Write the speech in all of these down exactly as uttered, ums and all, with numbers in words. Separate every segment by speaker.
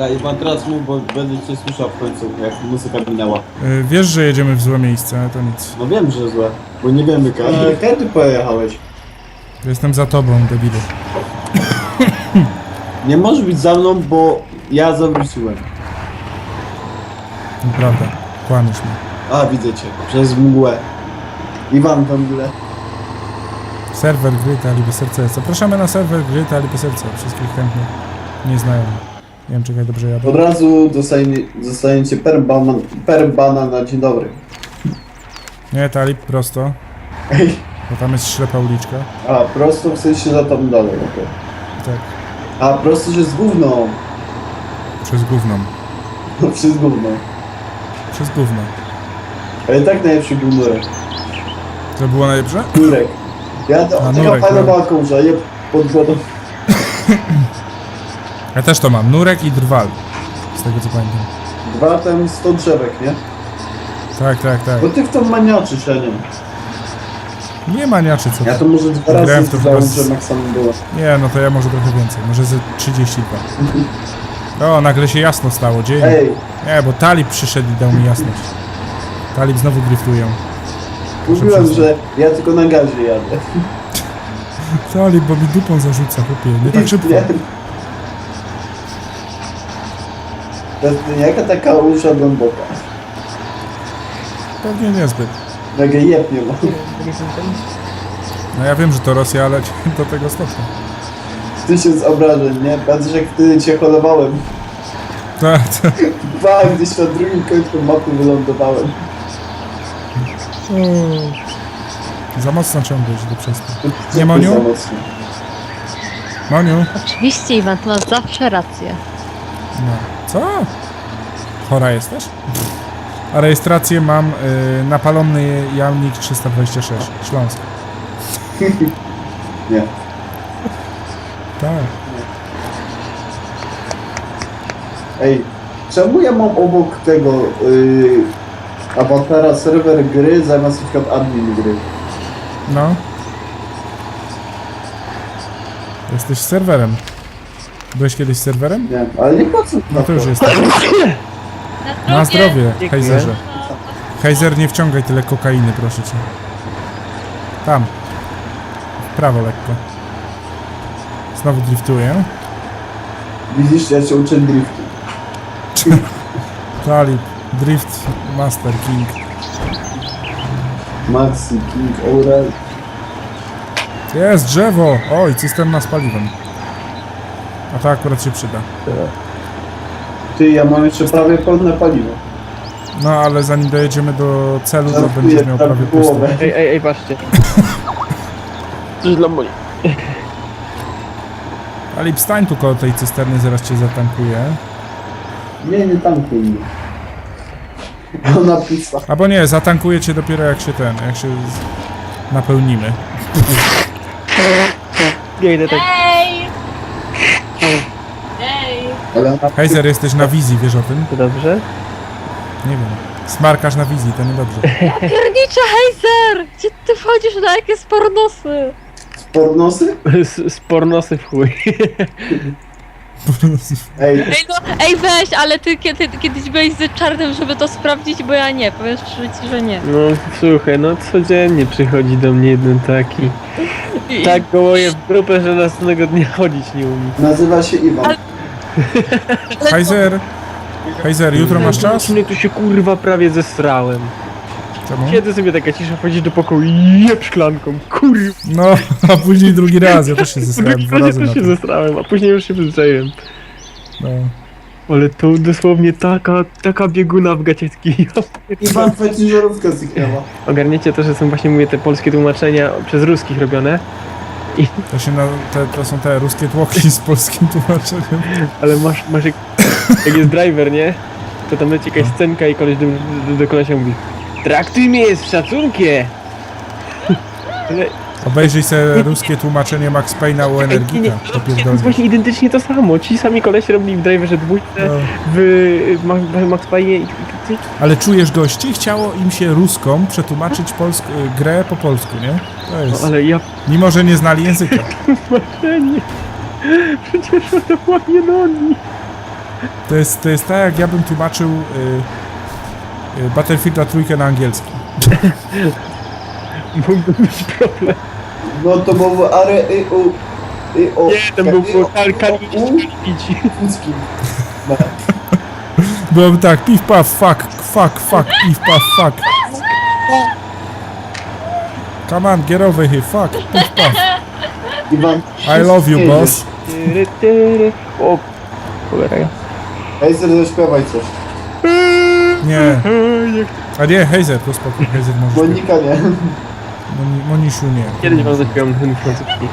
Speaker 1: Dobra, Iwan, teraz mów, bo będę cię słyszał w końcu, jak muzyka minęła.
Speaker 2: Yy, wiesz, że jedziemy w złe miejsce, ale to nic.
Speaker 1: No wiem, że złe, bo nie wiemy, kiedy, kiedy pojechałeś.
Speaker 2: Jestem za tobą, debilu.
Speaker 1: Nie możesz być za mną, bo ja zawróciłem.
Speaker 2: Nieprawda, kłamiesz mnie.
Speaker 1: A, widzę cię, przez mgłę. Iwan, tam ile?
Speaker 2: Serwer gry Taliby Serce. Zapraszamy na serwer gry Taliby Serce. Wszystkich chętnych nie znają. Nie wiem, czekaj, dobrze jadę.
Speaker 1: Od razu dostanie, dostaniecie per bana, per bana na dzień dobry.
Speaker 2: Nie, Talib, prosto.
Speaker 1: Ej,
Speaker 2: Bo tam jest ślepa uliczka.
Speaker 1: a prosto w sensie za tam dalej, okej.
Speaker 2: Tak,
Speaker 1: A prosto, że z gówną.
Speaker 2: przez gówno.
Speaker 1: No, przez gówno.
Speaker 2: Przez gówno.
Speaker 1: Ale tak najlepszy był nurek.
Speaker 2: To było najlepsze?
Speaker 1: Nurek. Ja to,
Speaker 2: A,
Speaker 1: taka
Speaker 2: nurek,
Speaker 1: fajna
Speaker 2: no.
Speaker 1: walką, że je pod wodą.
Speaker 2: Ja też to mam. Nurek i drwal. Z tego co pamiętam.
Speaker 1: Dwa tam sto drzewek, nie?
Speaker 2: Tak, tak, tak.
Speaker 1: Bo ty w tą maniaczysz, ja nie wiem.
Speaker 2: Nie maniaczy co
Speaker 1: Ja
Speaker 2: to.
Speaker 1: to może dwa
Speaker 2: Grałem
Speaker 1: razy
Speaker 2: w to
Speaker 1: zdałem,
Speaker 2: chyba z-
Speaker 1: że maksimum było.
Speaker 2: Nie, no to ja może trochę więcej. Może ze trzydzieści dwa. O, nagle się jasno stało. Dzień.
Speaker 1: Ej,
Speaker 2: Nie, bo Talib przyszedł i dał mi jasność. Talib znowu dryftują.
Speaker 1: mówiłem,
Speaker 2: przestań.
Speaker 1: że ja tylko na gazie jadę.
Speaker 2: Talib, bo mi dupą zarzuca, chłopie. Nie tak szybko.
Speaker 1: Nie. To jest jaka taka usza głęboka.
Speaker 2: Pewnie niezbyt.
Speaker 1: Mega jeb nie ma.
Speaker 2: No ja wiem, że to Rosja, ale do tego stopnia.
Speaker 1: Tysiąc obrażeń, nie? Patrz jak wtedy cię holowałem.
Speaker 2: Tak, tak.
Speaker 1: Dwa, gdzieś na drugim końcu mapy wylądowałem.
Speaker 2: Za mocno ciągłeś do przestęp.
Speaker 1: Co
Speaker 2: Nie,
Speaker 1: to
Speaker 2: Moniu?
Speaker 1: za mocno?
Speaker 2: Moniu?
Speaker 3: Oczywiście, Iwan, to masz zawsze rację.
Speaker 2: No. Co? Chora jesteś? A rejestrację mam y, napalony jamnik trzysta dwadzieścia sześć, Śląsk.
Speaker 1: Nie.
Speaker 2: Tak.
Speaker 1: Ej, czemu ja mam obok tego yy, awatara serwer gry zamiast na przykład admin gry?
Speaker 2: No. Jesteś serwerem. Byłeś kiedyś serwerem?
Speaker 1: Nie, ale nie po co
Speaker 2: No to już jesteś. Na zdrowie, Hejzerze. Hejzer, nie wciągaj tyle kokainy, proszę cię. Tam. W prawo lekko. Znowu driftuję.
Speaker 1: Widzisz, ja cię uczę driftu.
Speaker 2: Talib. Drift Master King.
Speaker 1: Maxi, King, Aurel.
Speaker 2: Jest drzewo! Oj, cysterna z paliwem. A to akurat się przyda.
Speaker 1: Ty, ja mam jeszcze prawie pełne paliwo.
Speaker 2: No ale zanim dojedziemy do celu, to
Speaker 1: Żartuję,
Speaker 2: będziesz miał
Speaker 1: tak
Speaker 2: prawie
Speaker 1: połowę.
Speaker 2: pusto.
Speaker 4: Ej, ej, ej, patrzcie. Coś dla mnie.
Speaker 2: Talib, stań tu koło tej cysterny, zaraz cię zatankuję.
Speaker 1: Nie, nie tankuj mnie. Ona pisa.
Speaker 2: Albo nie, zatankuję cię dopiero jak się ten, jak się z... napełnimy.
Speaker 4: Ja idę tak.
Speaker 3: Ej! Ej!
Speaker 1: Ale ona
Speaker 2: Hejzer, jesteś na wizji, wiesz o tym?
Speaker 4: To dobrze?
Speaker 2: Nie wiem. Smarkasz na wizji, to niedobrze.
Speaker 3: Piernicze, hejzer! Gdzie ty wchodzisz na jakie spornosy?
Speaker 1: pornosy?
Speaker 4: Z, z pornosy w chuj.
Speaker 1: Ej,
Speaker 3: Ej, no, ej weź, ale ty kiedy, kiedyś byłeś z czarnym, żeby to sprawdzić, bo ja nie, powiem szczerze ci, że nie.
Speaker 4: No słuchaj, no codziennie przychodzi do mnie jeden taki. Tak gołoje w grupę, że następnego dnia chodzić nie umie.
Speaker 1: nazywa się Iwan.
Speaker 3: Ale-
Speaker 2: Hejzer! Hejzer, jutro masz czas?
Speaker 4: Nie, tu się kurwa prawie zesrałem.
Speaker 2: Czemu?
Speaker 4: Kiedy sobie taka cisza, wchodzisz do pokoju i jeb szklanką, kurwa.
Speaker 2: No, a później drugi raz, ja też się zesrałem
Speaker 4: Drugi
Speaker 2: dwa
Speaker 4: raz
Speaker 2: razy
Speaker 4: też
Speaker 2: na
Speaker 4: się
Speaker 2: to.
Speaker 4: zesrałem, a później już się przyzwyczaiłem.
Speaker 2: No.
Speaker 4: Ale to dosłownie taka, taka bieguna w gacietki.
Speaker 1: Iwan feciżerówka zniknęła.
Speaker 4: Ogarniecie to, że są właśnie, mówię, te polskie tłumaczenia przez ruskich robione.
Speaker 2: To się na, te, to są te ruskie tłoki z polskim tłumaczeniem.
Speaker 4: Ale masz, masz jak, jak jest driver, nie? To tam leci jakaś scenka i koleś do, do, do kolesia mówi: traktuj mnie z szacunkiem! Ale
Speaker 2: Obejrzyj sobie ruskie tłumaczenie Max Payne'a u
Speaker 4: nie, nie,
Speaker 2: Energika. To
Speaker 4: to jest
Speaker 2: pierdolnie.
Speaker 4: właśnie identycznie to samo. Ci sami kolesie robili w driverze dwójce,
Speaker 2: No.
Speaker 4: w Ma- Ma- Max Payne i... i- i-
Speaker 2: Ale czujesz gości? Chciało im się ruską przetłumaczyć polsk grę po polsku, nie? To
Speaker 4: No,
Speaker 2: jest...
Speaker 4: ale ja...
Speaker 2: Mimo, że nie znali języka.
Speaker 4: Marzenie! Przecież to ładnie nogi!
Speaker 2: To jest, to jest tak, jak ja bym tłumaczył y, y, Battlefielda trójkę na angielski.
Speaker 4: Mógłby być problem.
Speaker 1: No to było are i u i o.
Speaker 4: Nie, to był kalibić.
Speaker 1: No.
Speaker 2: Byłoby tak, piw paf, fuck, fuck, fuck, piw paf, fuck. Come on, get over here, fuck, piw paf.
Speaker 1: Iwan,
Speaker 2: I love you, boss.
Speaker 4: Tyry, tyry. O, cholera.
Speaker 1: Hejzer, zaśpiewaj coś.
Speaker 2: Nie. A nie, Heizer, to spokój, Heizer może śpiewać.
Speaker 1: Monika nie.
Speaker 2: Moni, Monisiu nie.
Speaker 4: Kiedyś wam zaśpiewam ten francuski.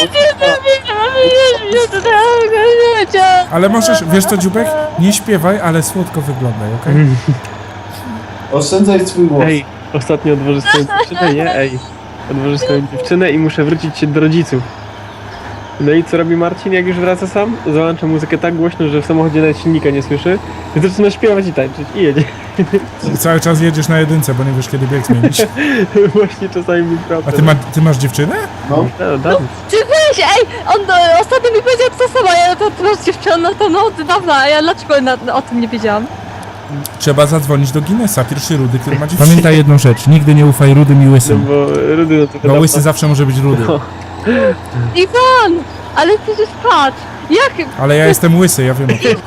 Speaker 2: Ale możesz, wiesz co, Dziubek? Nie śpiewaj, ale słodko wyglądaj, okej?
Speaker 1: Oszczędzaj swój głos.
Speaker 4: Ej, ostatnio odwożę swoją dziewczynę, nie? Ej, odwożę swoją dziewczynę i muszę wrócić się do rodziców. No i co robi Marcin, jak już wraca sam? Załącza muzykę tak głośno, że w samochodzie nawet silnika nie słyszy. I zaczyna śpiewać i tańczyć i jedzie.
Speaker 2: I cały czas jedziesz na jedynce, bo nie wiesz kiedy bieg zmienić.
Speaker 4: Właśnie czasami mi
Speaker 2: A
Speaker 4: prawda.
Speaker 2: ty, ma, ty masz dziewczynę?
Speaker 1: No.
Speaker 4: No, dawno.
Speaker 3: Ty weź, ej! On e, ostatnio mi powiedział to samo, ja to ty masz dziewczynę, no to no od dawna, a ja dlaczego na, na, o tym nie wiedziałam?
Speaker 2: Trzeba zadzwonić do Guinnessa, pierwszy rudy, który ma dziewczynę. Pamiętaj jedną rzecz, nigdy nie ufaj rudym i
Speaker 4: No
Speaker 2: łysym.
Speaker 4: bo Rudy, no to
Speaker 2: Bo
Speaker 4: wiadomo.
Speaker 2: łysy zawsze może być rudy.
Speaker 4: No.
Speaker 3: Iwan! Ale ty już patrz! Jak?
Speaker 2: Ale ja jestem łysy, ja wiem.
Speaker 4: się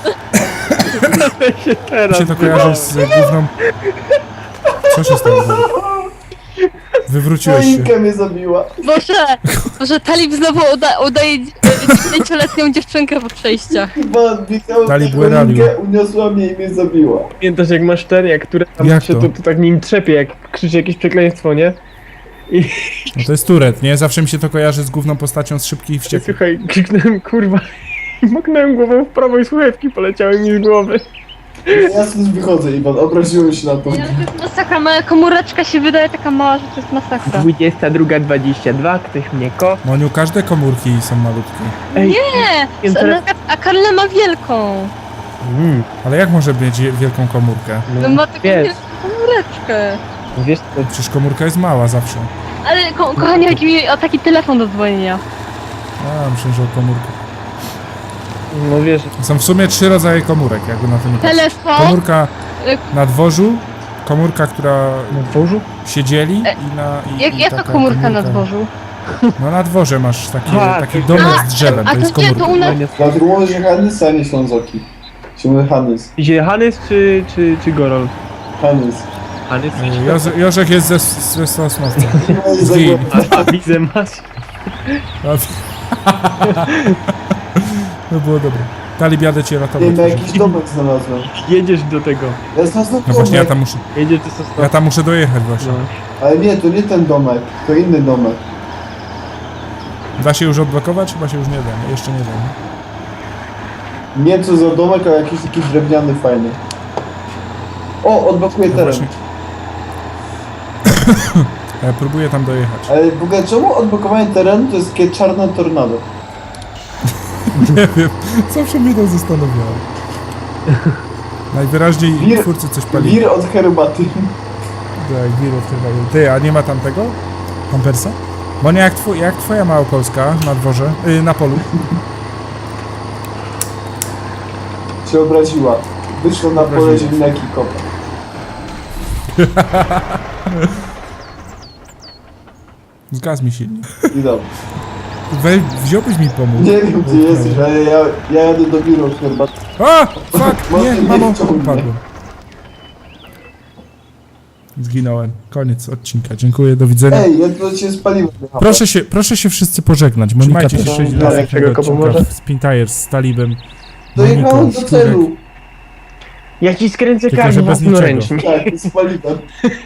Speaker 2: Mi
Speaker 4: teraz.
Speaker 2: się to kojarzy z główną... Co się stało? Wywróciłeś się.
Speaker 1: Monika mnie zabiła.
Speaker 3: Boże! Boże, Talib znowu uda, udaje dziewięcioletnią dziewczynkę po przejściach.
Speaker 1: Iwan, biegałem
Speaker 2: Dalej
Speaker 1: Monikę,
Speaker 2: błędalił.
Speaker 1: uniosła mnie i mnie zabiła.
Speaker 4: Pamiętasz jak masz ten, jak które tam
Speaker 2: Jak
Speaker 4: się
Speaker 2: to?
Speaker 4: to? To, tak nim trzepie, jak krzyczy jakieś przekleństwo, nie? I
Speaker 2: No to jest Turet, nie? Zawsze mi się to kojarzy z główną postacią z Szybkich i Wściekłych.
Speaker 4: słuchaj, krzyknąłem kurwa i moknąłem głową w prawo i słuchawki poleciały mi z głowy.
Speaker 1: Ja stąd wychodzę, Iwan, obraziłem się na to.
Speaker 3: Ja, to jest masakra, moja komóreczka się wydaje taka mała, że to jest masakra.
Speaker 4: dwudziesta druga dwadzieścia dwa, ktoś mnie ko...
Speaker 2: Moniu, każde komórki są malutkie.
Speaker 4: Ej,
Speaker 3: Nie!
Speaker 4: Wiem,
Speaker 3: A,
Speaker 4: teraz-
Speaker 3: a Karla ma wielką.
Speaker 4: Mm,
Speaker 2: Ale jak może mieć je- wielką komórkę?
Speaker 3: No ma taką
Speaker 4: wiesz,
Speaker 3: wielką komóreczkę.
Speaker 4: wiesz co,
Speaker 2: Przecież komórka jest mała zawsze.
Speaker 3: Ale ko kochanie, chodzi mi o taki telefon do dzwonienia.
Speaker 2: A, myślę, że o komórkę.
Speaker 4: no wiesz,
Speaker 2: Są w sumie trzy rodzaje komórek, jakby na to nie patrzeć.
Speaker 3: Telefon,
Speaker 2: Komórka
Speaker 3: y-
Speaker 2: na dworzu, komórka, która
Speaker 4: na dworzu?
Speaker 2: się dzieli
Speaker 3: E,
Speaker 2: i na... I,
Speaker 3: jak,
Speaker 2: i
Speaker 3: jaka
Speaker 2: taka
Speaker 3: komórka na dworzu?
Speaker 2: No na dworze masz taki,
Speaker 4: A,
Speaker 2: taki
Speaker 4: to-
Speaker 2: domek
Speaker 3: A,
Speaker 2: z drzewem,
Speaker 3: a
Speaker 2: to jest
Speaker 3: to nie, to
Speaker 2: komórka.
Speaker 3: u nas...
Speaker 1: Dlatego że Hanys, a nie Ślązoki. Się mówi Hanys.
Speaker 4: Idzie Hanys czy, czy, czy Gorol?
Speaker 1: Hanys.
Speaker 4: Hanys?
Speaker 2: E, Joze, Jorzek jest ze, ze Sosnowca.
Speaker 1: No i
Speaker 2: Zgin.
Speaker 1: zagłębię.
Speaker 4: A, a widzę masz.
Speaker 2: No było dobre. Talib, jadę cię
Speaker 1: Nie,
Speaker 2: ratować.
Speaker 1: na jakiś domek znalazłem.
Speaker 4: Jedziesz do tego.
Speaker 1: Ja znalazłem
Speaker 2: No właśnie, ja
Speaker 1: domek,
Speaker 2: tam muszę,
Speaker 4: Jedziesz do Sosnowa.
Speaker 2: ja tam muszę dojechać właśnie.
Speaker 4: No.
Speaker 1: ale nie, to nie ten domek, to inny domek.
Speaker 2: Da się już odblokować? Chyba się już nie da, nie? Jeszcze nie da. Nie?
Speaker 1: Nie wiem co za domek, ale jakiś taki drewniany fajny. O, odblokuję
Speaker 2: No
Speaker 1: teren.
Speaker 2: właśnie. Ja próbuję tam dojechać.
Speaker 1: Ale w ogóle czemu odblokowanie terenu to jest takie czarne tornado?
Speaker 2: Nie wiem, zawsze mnie to zastanawiało. Najwyraźniej
Speaker 1: Wir-
Speaker 2: twórcy coś palili.
Speaker 1: Wir od herbaty.
Speaker 2: Tak, wir od chyba. Ty, a nie ma tam tego? Pampersa? Bo nie jak, twój, jak twoja Małopolska na dworze, yy, na polu.
Speaker 1: Się obraziła. Wyszła na pole
Speaker 2: Obraziła.
Speaker 1: ziemniaki i kopa.
Speaker 2: Zgaz mi silnie.
Speaker 1: I dobrze.
Speaker 2: Wej, wziąłbyś mi pomóc.
Speaker 1: Nie wiem gdzie jesteś, ale ja, ja jadę do biura od herbaty.
Speaker 2: A! Fuck! Nie,
Speaker 1: Może nie
Speaker 2: mamo,
Speaker 1: wciągnie.
Speaker 2: upadłem. Zginąłem. Koniec odcinka. Dziękuję, do widzenia.
Speaker 1: Ej, ja to się spaliłem.
Speaker 2: Proszę się, proszę się wszyscy pożegnać. Monika
Speaker 4: Trzymajcie
Speaker 2: też
Speaker 4: się.
Speaker 2: sześć
Speaker 1: Darek,
Speaker 2: lat
Speaker 4: czego komu może?
Speaker 2: z Pintires, z Talibem.
Speaker 1: Dojechałem
Speaker 2: Moniką,
Speaker 1: do
Speaker 2: Szczurek.
Speaker 1: celu.
Speaker 4: Ja ci skręcę
Speaker 2: Tylko,
Speaker 4: karmę
Speaker 2: że bez
Speaker 4: własnoręcznie.
Speaker 1: Tak, spaliłem.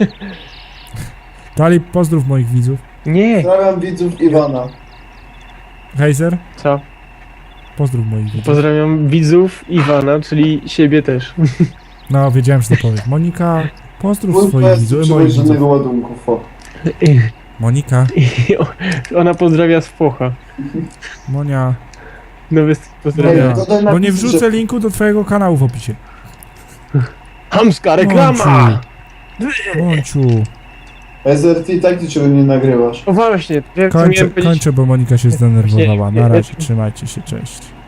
Speaker 2: Talib, pozdrów moich widzów.
Speaker 4: Nie.
Speaker 1: Pozdrawiam widzów Iwana.
Speaker 2: Heizer,
Speaker 4: Co?
Speaker 2: pozdrów moich widzów.
Speaker 4: Pozdrawiam widzów Iwana, czyli siebie też.
Speaker 2: No, wiedziałem, że to powiem. Monika, pozdrów
Speaker 1: Mój
Speaker 2: swoich
Speaker 1: PS
Speaker 2: widzów, moich
Speaker 1: przywozi
Speaker 2: widzów.
Speaker 1: żadnego ładunku, fo.
Speaker 2: Monika,
Speaker 4: I ona pozdrawia z Focha.
Speaker 2: Monia,
Speaker 4: Nowy
Speaker 1: Ej,
Speaker 4: pozdrawia.
Speaker 1: to daj
Speaker 2: bo nie
Speaker 1: napis,
Speaker 2: wrzucę
Speaker 1: że-
Speaker 2: linku do twojego kanału w opisie.
Speaker 4: Hamska reklama!
Speaker 2: Mąciu,
Speaker 1: S R T i tak niczego nie nagrywasz.
Speaker 4: O właśnie, ja co
Speaker 2: kończę,
Speaker 4: miałem powiedzieć?
Speaker 2: kończę, bo Monika się zdenerwowała.
Speaker 4: Właśnie,
Speaker 2: Na
Speaker 4: ja-
Speaker 2: razie, trzymajcie się, cześć.